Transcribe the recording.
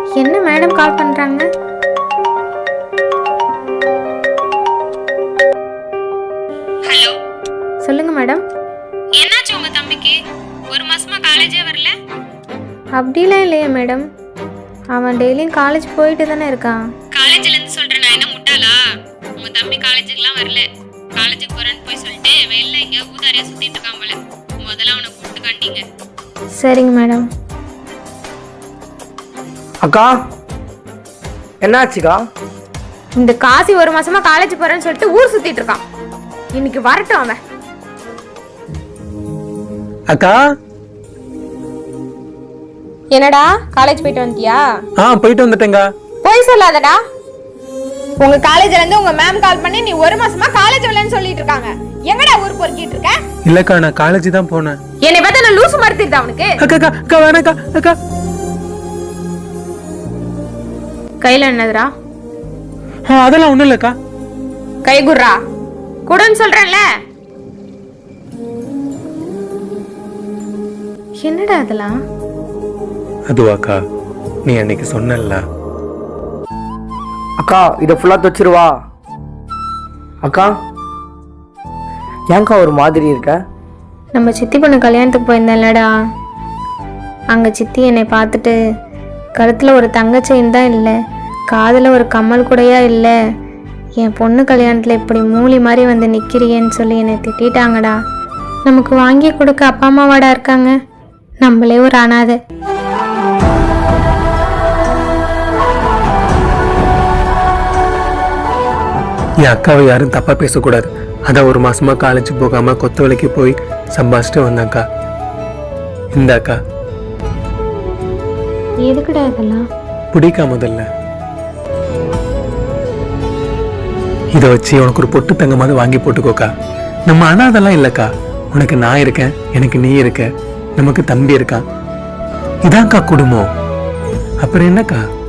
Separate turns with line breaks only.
என்ன madam call பண்றாங்க?
Hello,
சொல்லுங்க மேடம்.
என்னாச்சு உங்க தம்பிக்கு? ஒரு மாசமா காலேஜே வரல?
அப்படிலாம் இல்லையே மேடம், அவன் டெய்லியும் காலேஜ் போயிட்டு தானே இருக்கான்.
காலேஜ்ல இருந்து சொல்றேன், நான் என்ன முட்டாளா? உங்க தம்பி காலேஜுக்குலாம் வரல. காலேஜுக்கு போறேன்னு போய் சொல்லிட்டு வெளில இங்க ஊதாரியா சுத்திட்டு இருக்கான் போல. முதல்ல அவனை கூப்பிட்டு கண்டிங்க.
சரிங்க மேடம்.
அக்கா, என்னாச்சுக்கா?
இந்த காசி ஒரு மாசமா காலேஜ் போறேன்னு சொல்லிட்டு ஊர் சுத்திட்டு இருக்கான். இன்னைக்கு வரட்டும் அவன்.
அக்கா,
என்னடா காலேஜ் போயிட்டு வந்துட்டியா?
போயிட்டு வந்துட்டேங்க.
போய் சொல்லாதடா. உங்க காலேஜ்ல இருந்து உங்க மேம் கால் பண்ணி நீ ஒரு மாசமா காலேஜ் வரலன்னு சொல்லிட்டு இருக்காங்க. எங்கடா ஊர் பொறுக்கிட்டு இருக்க?
இல்லக்கா, நான் காலேஜ் தான் போனேன்.
என்னை பார்த்தா நான் லூசு மாதிரி தெரியுதா அவனுக்கு?
அக்கா அக்கா அக்கா வேணாக்கா. அக்கா
கையில என்னதுடா?
அதெல்லாம் ஒண்ணும் இல்லக்கா.
கை குர்ரா குடுன்னு சொல்றேன்ல. என்னடா அதெல்லாம்?
அதுவாக்கா, நீ அன்னைக்கு சொன்னல்ல.
அக்கா, இதை ஃபுல்லாக துவச்சிருவா. அக்கா, ஏன்க்கா ஒரு மாதிரி இருக்க?
நம்ம சித்தி பொண்ணு கல்யாணத்துக்கு போயிருந்தேன்லடா, அங்கே சித்தி என்னை பார்த்துட்டு கழுத்தில் ஒரு தங்க செயின் தான் இல்லை, காதில் ஒரு கம்மல் கூடையா இல்லை, என் பொண்ணு கல்யாணத்தில் இப்படி மூலி மாதிரி வந்து நிற்கிறியேன்னு சொல்லி என்னை திட்டாங்கடா. நமக்கு வாங்கி கொடுக்க அப்பா அம்மாவாடா இருக்காங்க, நம்மளே ஒரு அனாதை.
என் அக்காவை யாரும் தப்பா பேசக்கூடாது. அதான் ஒரு மாசமா காலேஜ் போகாம கொத்த வேலைக்கு போய் சம்பாதிச்சுட்டு வந்தாக்கா. இந்த அக்கா
எதுக்குடா இதெல்லாம்?
பிடிக்கா முதல்ல இதை வச்சு உனக்கு ஒரு பொட்டு தங்கமாவது வாங்கி போட்டுக்கோக்கா. நம்ம அனாதெல்லாம் இல்லக்கா. உனக்கு நான் இருக்கேன், எனக்கு நீ இருக்க, நமக்கு தம்பி இருக்கான். இதான்க்கா குடும்பம். அப்புறம் என்னக்கா?